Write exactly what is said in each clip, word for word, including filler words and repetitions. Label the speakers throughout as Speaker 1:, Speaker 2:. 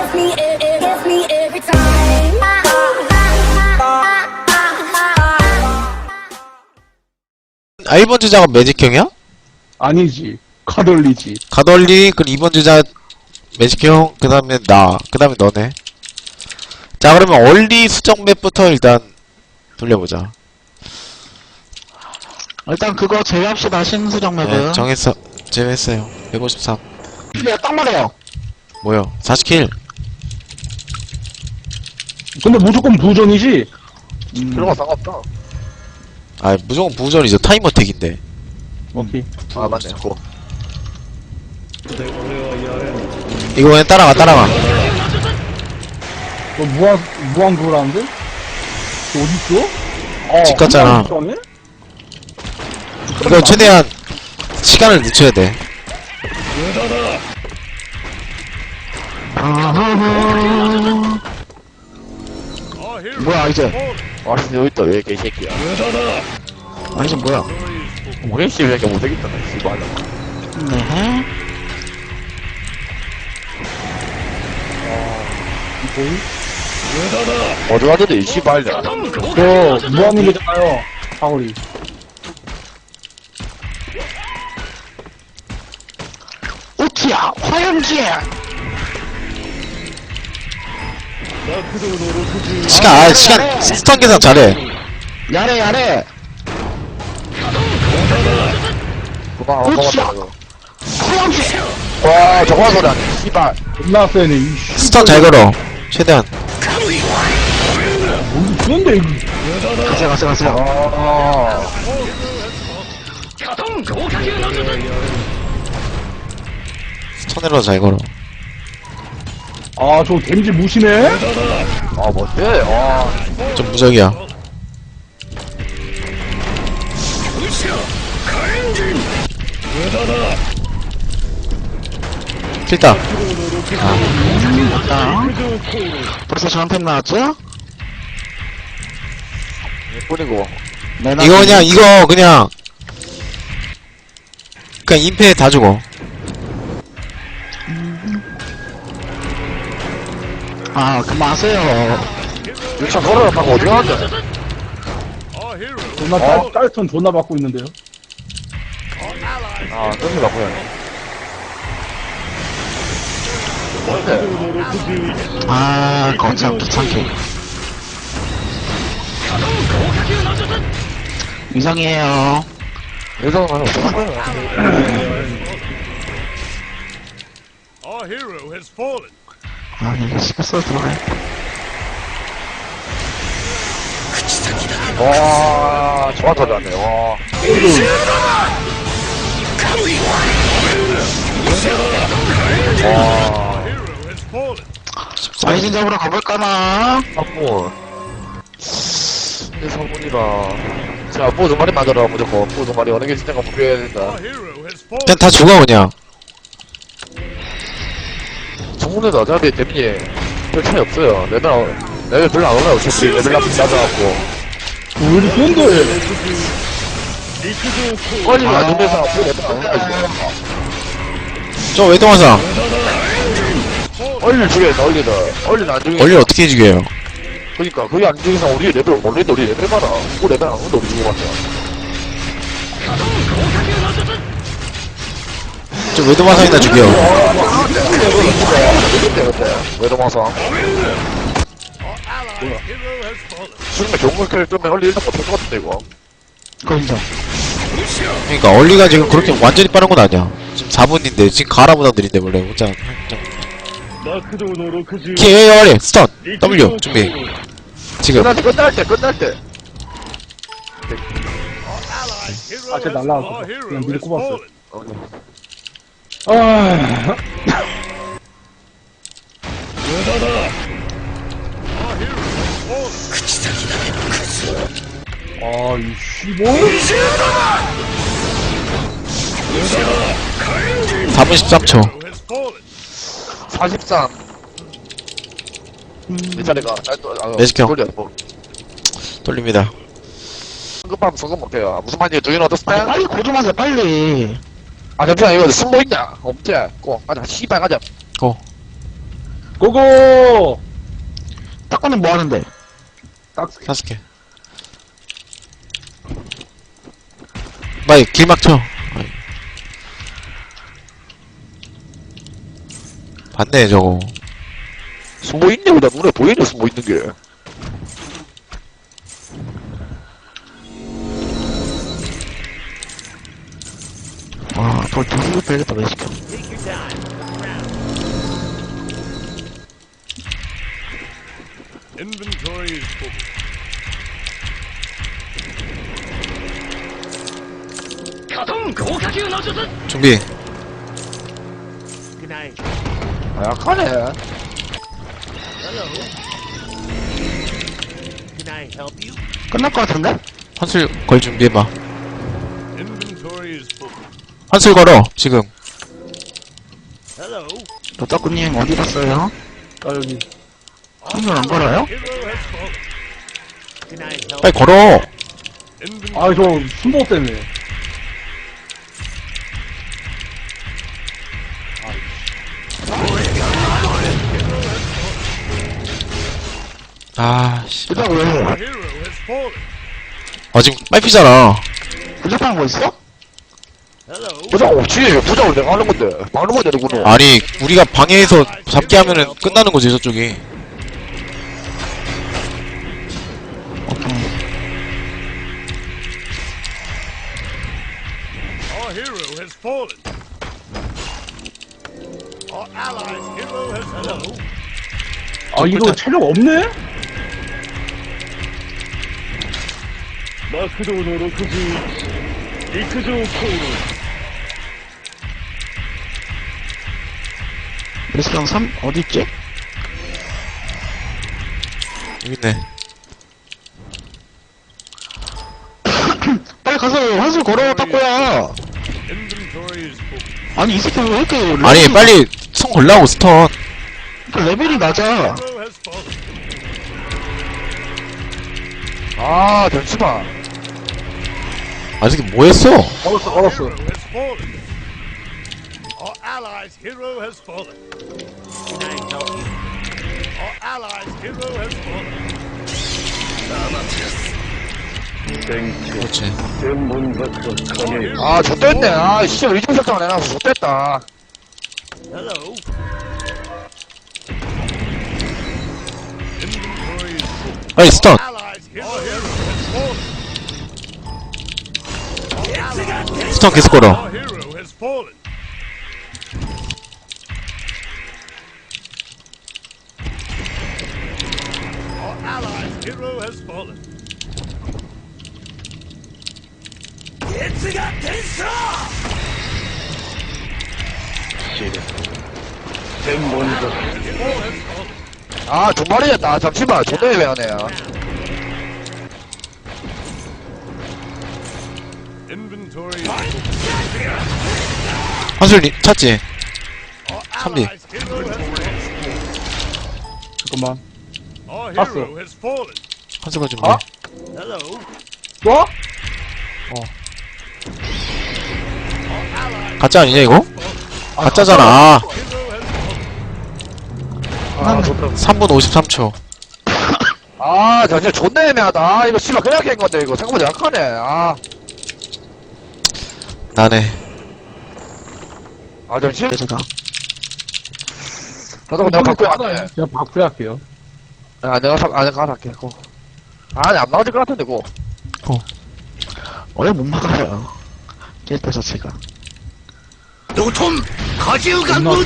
Speaker 1: gets me, it, it gets me every time.
Speaker 2: 아, 일 번 주자가 매직형이야?
Speaker 3: 아니지. 카돌리지.
Speaker 2: 가돌리, 그리고 이 번 주자 매직형, 그 다음에 나, 그 다음에 너네. 자, 그러면 얼리 수정 맵부터 일단 돌려보자.
Speaker 4: 일단 그거 제외합시다. 신수정 맵은.
Speaker 2: 네, 정했어. 제외했어요. 백오십삼.
Speaker 4: 야, 딱 말해요.
Speaker 2: 뭐요? 사십 킬.
Speaker 3: 근데 무조건 부전이지? 음,
Speaker 5: 필요가 상관없다.
Speaker 2: 아, 무조건 부전이죠. 타이머 택인데.
Speaker 3: 오케이.
Speaker 5: 아, 맞네. 그거.
Speaker 2: 이거 그냥 따라가, 따라가.
Speaker 3: 너 무한, 무한 그거라는데? 너 어딨어? 어,
Speaker 2: 집 갔잖아.
Speaker 3: 한 번에 있었네?
Speaker 2: 이거 최대한 시간을 늦춰야 돼.
Speaker 4: 아하하. 뭐야, 이제.
Speaker 5: 아, 여기 있다. 왜 개새끼야.
Speaker 4: 아, 이제 뭐야.
Speaker 5: 뭐야, 씨. 왜 이렇게 못생겼다. 씨발.
Speaker 4: 네.
Speaker 5: 어디 가는데, 이 씨발이야.
Speaker 3: 저, 무한이잖아요. 사거리.
Speaker 4: 오티야, 화염지!
Speaker 2: 시간, 아, 시간, 스턴 계산 잘해.
Speaker 4: 야래, 야래!
Speaker 5: 그만,
Speaker 4: 그렇지.
Speaker 5: 어, 먹었다.
Speaker 4: 화염지!
Speaker 5: 와, 저거 소리 아니야. 씨발.
Speaker 3: 존나 세네, 이씨.
Speaker 2: 스턴 잘 걸어. 최대한.
Speaker 3: 뭔 그런데, 이거.
Speaker 4: 가세요, 가세요, 가세요.
Speaker 5: 아,
Speaker 2: 스턴으로 잘 걸어.
Speaker 3: 아, 저 데미지 무시네?
Speaker 5: 아, 뭔데? 아,
Speaker 2: 좀 무적이야. 필다.
Speaker 4: 자, 벌써 저한테 나왔죠?
Speaker 5: 뿐이고.
Speaker 4: 내놔.
Speaker 2: 이거 그냥, 이거 그냥. 그냥 임페 다 죽어.
Speaker 4: 아, 그만하세요.
Speaker 5: 유치원 걸어라. 방금 어디 가는데?
Speaker 3: 존나 짤, 짤턴 존나 받고 있는데요?
Speaker 5: 아, 뜬다, 뭐야. 뭔데?
Speaker 4: 아, 거참 귀찮게. 이상해요.
Speaker 5: 여자가 많이 어떡한 거야?
Speaker 6: Our hero has fallen.
Speaker 4: 아, 이거 시켰어, 들어가요.
Speaker 5: 와, 저가 터졌네, 와. 와,
Speaker 6: Hero has fallen.
Speaker 4: 사이진 잡으러 가볼까나?
Speaker 5: 선물. 이제 선물이라. 자, 뽀 두 마리 만들어, 무조건. 뽀 두 마리 어느 게 진짜 목표해야 된다.
Speaker 6: Our hero has fallen.
Speaker 2: 그냥 다 죽어, 그냥.
Speaker 5: 정문에도 어차피 데미지 별 차이 없어요. 레벨, 레벨 별로 안 올라요. 어차피 레벨 앞이 낮아갖고.
Speaker 3: 왜 이렇게 센데?
Speaker 5: 빨리 안 되면서 앞으로 레벨 안 올라요.
Speaker 2: 저 외동화상.
Speaker 5: 얼리 죽여야 얼리다. 얼리는 안 죽여.
Speaker 2: 원래 어떻게 죽여요?
Speaker 5: 그니까, 그게 안 죽여서 우리 레벨 올리는데 우리 레벨 봐라. 그 레벨 안 오는데 우리 죽어봤자.
Speaker 2: 저 외동화상이나 죽여.
Speaker 5: 그때, 그때. 외도마상.
Speaker 6: Hero has fallen.
Speaker 5: 수능에 경고 캐릭터면 얼리 일단 못할 것 같은데, 이거.
Speaker 4: 그거 인정.
Speaker 2: 그러니까 얼리가 지금 그렇게 완전히 빠른 건 아니야. 지금 사 분인데 지금 가라보다 느린데 원래 혼자. 키 얼리 스턴 W 준비. 지금
Speaker 5: 끝날 때, 끝날 때, 끝날 때.
Speaker 6: Hero
Speaker 3: 아, 쟤
Speaker 6: has-
Speaker 3: 날라왔어.
Speaker 6: our hero
Speaker 3: 그냥 미리
Speaker 6: has
Speaker 3: 꼽았어.
Speaker 6: fallen.
Speaker 3: 아,
Speaker 6: Our hero has fallen.
Speaker 3: 아, 이 씨발.
Speaker 2: 사 분 십삼 초.
Speaker 6: Hero has fallen.
Speaker 5: 사십삼. 내 차례가. 아, 또, 아,
Speaker 2: 매직형.
Speaker 5: 돌려, 뭐.
Speaker 2: 돌립니다.
Speaker 5: 성급하면 성급 못해요. 무슨 말이에요? 두인 어떻스
Speaker 4: 아니, 빨리 고좀하세요, 빨리.
Speaker 5: 아, 잠시만, 이거 승부 있냐? 없지? 고, 가자. 씨발, 가자.
Speaker 2: 고.
Speaker 3: 고고!
Speaker 4: 탁구는 뭐 하는데?
Speaker 3: 딱
Speaker 2: 다섯 개. 빨리 길 막쳐. 아이. 봤네 저거.
Speaker 5: 숨어 있네, 나 눈에 보이네, 숨어 있는 게.
Speaker 4: 와, 더 두수도 빼겠다, 왜 시켜.
Speaker 6: Inventory is full.
Speaker 2: 준비.
Speaker 6: Good night.
Speaker 5: 아, 약하네.
Speaker 6: Hello. Can I help you?
Speaker 4: 끝날 것 같은데?
Speaker 2: 환술 걸 준비해봐.
Speaker 6: Inventory is full.
Speaker 2: 환술 걸어 지금.
Speaker 6: Hello.
Speaker 4: 도타쿠님 어디 갔어요?
Speaker 3: 아, 여기.
Speaker 4: 한번 안 걸어요?
Speaker 6: Hero has fallen. Can I help?
Speaker 2: 빨리 걸어.
Speaker 6: Inventory.
Speaker 3: 아, 저 순보 때문에.
Speaker 2: 아 씨.
Speaker 4: 부작 왜 해?
Speaker 6: Hero has fallen.
Speaker 2: 아 지금 빨피잖아.
Speaker 4: 부작하는 거 있어?
Speaker 6: Hello.
Speaker 5: 부장 없지. 부장을 내가 하는 건데. 막는 건데, 누구는.
Speaker 2: 아니 우리가 방해해서 잡게 하면은 끝나는 거지 저쪽이.
Speaker 4: 오케이.
Speaker 6: Our hero has fallen. Our allies' hero has hello.
Speaker 3: 아, 이거 체력 없네?
Speaker 4: 레스랑 삼 어디 있지?
Speaker 2: 여기 있네.
Speaker 4: 빨리 가서 환술 걸어, 탁구야.
Speaker 6: Inventory is full.
Speaker 4: 아니, 이 새끼 왜 이렇게.
Speaker 2: 아니
Speaker 4: 레벨이-
Speaker 2: 빨리 성 걸라고 스턴.
Speaker 4: 그러니까 레벨이 낮아.
Speaker 6: Hero has fallen.
Speaker 5: 아, 잠시만.
Speaker 2: 아 저기 뭐 했어?
Speaker 3: 걸었어, 걸었어.
Speaker 6: Hero has fallen. Our allies' hero has fallen. Can I help you? Our allies' hero has fallen.
Speaker 2: 그렇지.
Speaker 6: Our hero.
Speaker 5: 아, 좆됐네. 아, 씨, 의중 설정을 해놔서 좆됐다.
Speaker 6: Hello. Inventory is full.
Speaker 2: 빨리 스턴.
Speaker 6: Allies' hero has fallen. Our allies'
Speaker 2: 스턴 계속 걸어.
Speaker 6: Our hero has fallen. Our allies' hero has fallen. Hero has fallen.
Speaker 5: 아, 존말이었다. 잠시만. 존나 애매하네.
Speaker 6: Inventory is full.
Speaker 2: 환술 리- 찾지.
Speaker 6: Our
Speaker 2: 선비.
Speaker 6: allies' hero has fallen.
Speaker 3: 잠깐만.
Speaker 6: Our
Speaker 3: 봤어.
Speaker 6: hero has fallen.
Speaker 2: 환술 걸 준비.
Speaker 3: 아?
Speaker 6: Hello.
Speaker 3: 뭐?
Speaker 2: 가짜 아니냐 이거? 가짜잖아. 아,
Speaker 6: Hero has fallen.
Speaker 5: 아, 존나.
Speaker 2: 삼 분 오십삼 초.
Speaker 5: 아, 저 진짜 존나 애매하다. 아, 이거 씨발 그냥 깬 건데, 이거. 생각보다 약하네. 아.
Speaker 2: 나네.
Speaker 5: 아, 잠시.
Speaker 4: 제가.
Speaker 5: 나도 내가 바꾸야 할게.
Speaker 3: 그냥 바꾸야 할게요.
Speaker 5: 아, 내가 사, 아, 내가 할게. 고. 아, 안 나와질 것 같은데, 고.
Speaker 4: 원래 못 막아요. 캐릭터 자체가.
Speaker 3: 존나
Speaker 4: 뭐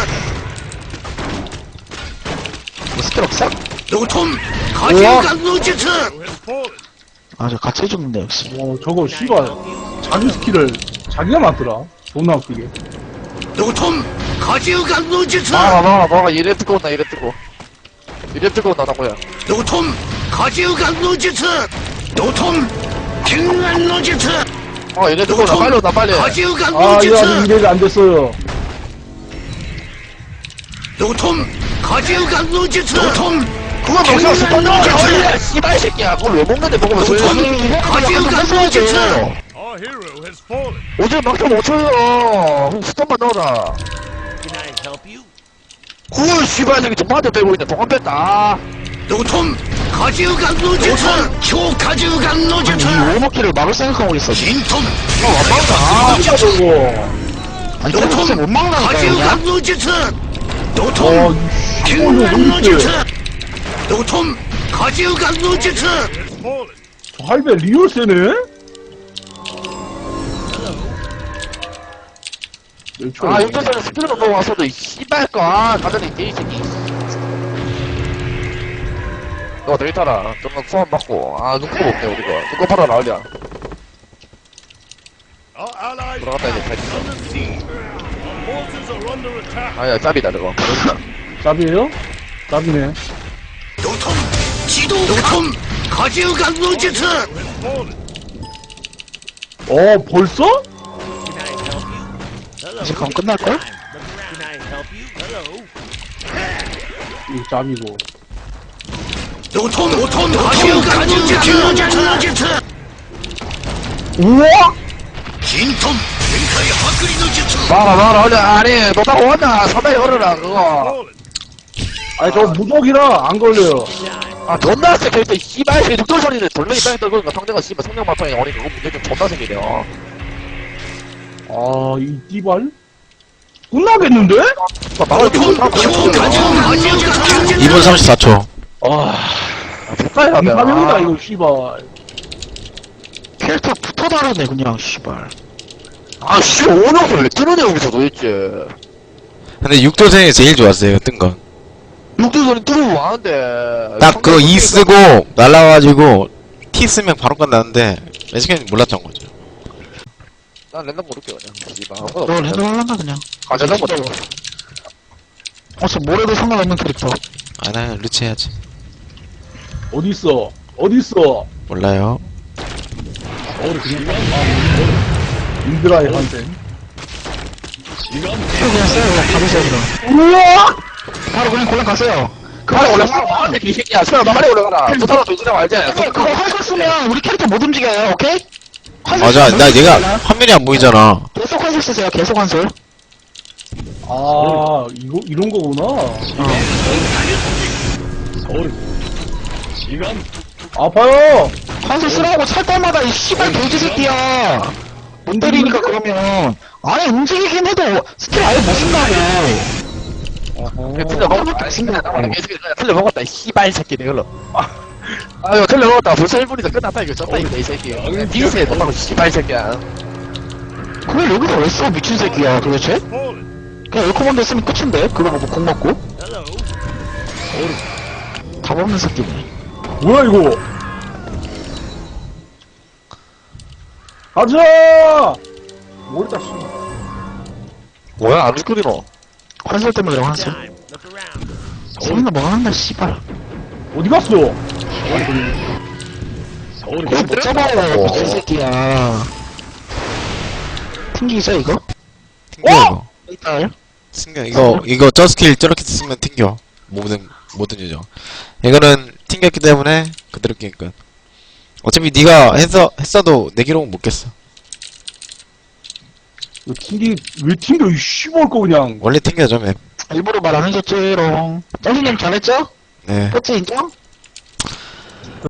Speaker 4: 스킬 없어?
Speaker 5: 우와.
Speaker 6: Hero has fallen.
Speaker 4: 아, 저 같이 해줬는데, 역시.
Speaker 3: 어, 저거 씨발 자기 스킬을 자기가 만들어. 존나 웃기게.
Speaker 5: 막아, 막아, 막아. 이래 뜨고 온다, 이래 뜨고. 이래 뜨고 온다, 나고야. 어, 이래 뜨고 온다. 빨리 온다, 빨리.
Speaker 3: 아, 이거 아직 이래가 안 됐어요.
Speaker 5: 그거 먹으면 스턴 나와. 씨발 새끼야. 그걸 왜 먹는데, 먹으면 왜 먹는데.
Speaker 6: Our hero has fallen.
Speaker 5: 오늘 막상 못 쳐요. 그럼 스턴만 넣어라.
Speaker 6: Can I help you?
Speaker 5: 그걸 씨 씨발 저기 동반대 빼고 있네. 동반 뺐다. 노톰 가지우간 노제트 효가지우간 노제트
Speaker 4: 이 오버킬을 막을 생각하고 있어.
Speaker 5: 진톰
Speaker 3: 아, 진짜 저거.
Speaker 4: 아니, 그래서 못 막는다니까, 그냥.
Speaker 5: 가지우간 노제트
Speaker 3: 어,
Speaker 5: 노톰
Speaker 3: 이
Speaker 5: 킹간
Speaker 3: 시골로
Speaker 5: 노제트
Speaker 3: 어딨대.
Speaker 5: 노톰 가지우간 노제트
Speaker 6: Has fallen.
Speaker 3: 저 할배 리얼 세네?
Speaker 5: 아 용전사는 스피드로 넘어와서도 이 씨발까 가자니 개이새끼 너 내일 타라 좀만 소환 받고 아 눈곱 없네 우리가 눈곱 받아 나으랴
Speaker 6: Our allies
Speaker 5: 들어갔다 이제
Speaker 6: are
Speaker 5: 잘
Speaker 6: under siege. Our forces are under attack.
Speaker 5: 아야 짭이다 저거
Speaker 3: 짭이에요? 짭이네.
Speaker 5: 노톰 지도 노톰 가지우간 노제트
Speaker 6: Has fallen.
Speaker 3: 어, 벌써?
Speaker 6: Can I help you? Hello.
Speaker 4: 이제 그럼 끝날걸?
Speaker 6: Can I help you? Hello.
Speaker 3: 이거 짭이고.
Speaker 5: 노톰 노톰 가지우간 노제트
Speaker 3: 우와!
Speaker 5: 진톰 링카이 하크리 노제트 막아 막아 얼른 아니 너 타고 왔나 사다리 걸어라 그거
Speaker 6: Fallen.
Speaker 3: 아니, 저 무적이라 안 걸려요.
Speaker 5: 아 존나 세 캐릭터 씨발 새 죽돌 소리를 돌멩이 땅에 떨고 있는 상대가 씨발 성령 마땅히 오니 그거 문제 좀 존나 생기네요
Speaker 3: 아, 이 띠발? 끝나겠는데?
Speaker 5: 막을 게 없어
Speaker 2: 이 분 삼십사 초.
Speaker 3: 아,
Speaker 5: 백가야
Speaker 3: 감사합니다, 이거, 씨발.
Speaker 4: 캐릭터 붙어 다르네, 그냥, 씨발.
Speaker 5: 아씨 오너를 왜 뜨느냐 여기서 도대체
Speaker 2: 근데 육도생이 제일 좋았어요, 뜬 건.
Speaker 5: 육돌 소리 뜨면 뭐하는데
Speaker 2: 딱 그 E 쓰고, 날라와가지고, T 쓰면 바로 끝나는데, 매직형이 몰랐던 거죠.
Speaker 5: 난 랜덤 모를게 그냥 씨발
Speaker 4: 너 랜덤 할란가, 그냥.
Speaker 5: 아 랜덤 모르
Speaker 4: 어차피 뭐래도 상관없는 캐릭터.
Speaker 2: 아, 나 루치 해야지.
Speaker 3: 어딨어? 어딨어?
Speaker 2: 몰라요.
Speaker 3: 인드라의 한센.
Speaker 4: 그냥 써요, 그냥 받으세요, 그럼.
Speaker 3: 우와!
Speaker 4: 바로 그냥 골라 가세요.
Speaker 5: 빨리 올라가라 나한테 개새끼야 수야 너 빨리 올라가라 부타로 조지라고 알지?
Speaker 4: 그거 활 쓰면 우리 캐릭터 못 움직여요, 오케이? 환술
Speaker 2: 맞아,
Speaker 4: 쓰면
Speaker 2: 나
Speaker 4: 못
Speaker 2: 얘가
Speaker 4: 움직여요.
Speaker 2: 화면이 안 보이잖아.
Speaker 4: 계속 환술 쓰세요, 계속 환술.
Speaker 3: 아, 이거, 이런 거구나. 아파요!
Speaker 4: 환술 쓰라고 찰 때마다 이 씨발 돼지 새끼야. 못 때리니까 그러면. 아니, 움직이긴 해도 스킬 아예 못 쓴다고.
Speaker 5: 틀려 먹었다 신기하다 개새끼 그냥 틀려 먹었다 이 씨발 새끼 내걸로 아 이거 틀려 먹었다 벌써 일 분이다 끝났다 이거 졌다 이거 이 새끼 빙세에 돈하고 씨발 새끼야
Speaker 4: 그걸 여기서 왜 써, 미친 새끼야, 도대체?
Speaker 6: Fallen.
Speaker 4: 그냥 에코먼드 쓰면 끝인데? 그거 보고 공 먹고?
Speaker 6: Hello.
Speaker 4: 답 없는 새끼네.
Speaker 3: 뭐야, 이거? 가자! 뭘다, 씨.
Speaker 5: 뭐야 안 웃거리노
Speaker 4: 환술 때문에 그래, 환술.
Speaker 6: Time. Look around.
Speaker 4: 서울나 뭐 한다, 씨발.
Speaker 3: 어디 갔어?
Speaker 4: 그거 못 잡아요, 미친 새끼야. 튕기죠, 이거?
Speaker 2: 튕겨, 이거.
Speaker 4: 이따
Speaker 2: 튕겨. 이거, 이거 저 스킬 저렇게 쓰면 튕겨. 모든, 모든 유저. 이거는 튕겼기 때문에 그대로 게임 끝. 어차피 네가 했어, 했어도 내 기록은 못 깼어.
Speaker 3: 왜 튕기, 왜 튕겨, 이 씨발 거 그냥.
Speaker 2: 원래 튕겨져, 맵.
Speaker 4: 일부러 말 안 해줬지롱. 짱수님 잘했죠?
Speaker 2: 네.
Speaker 4: 그치, 인정?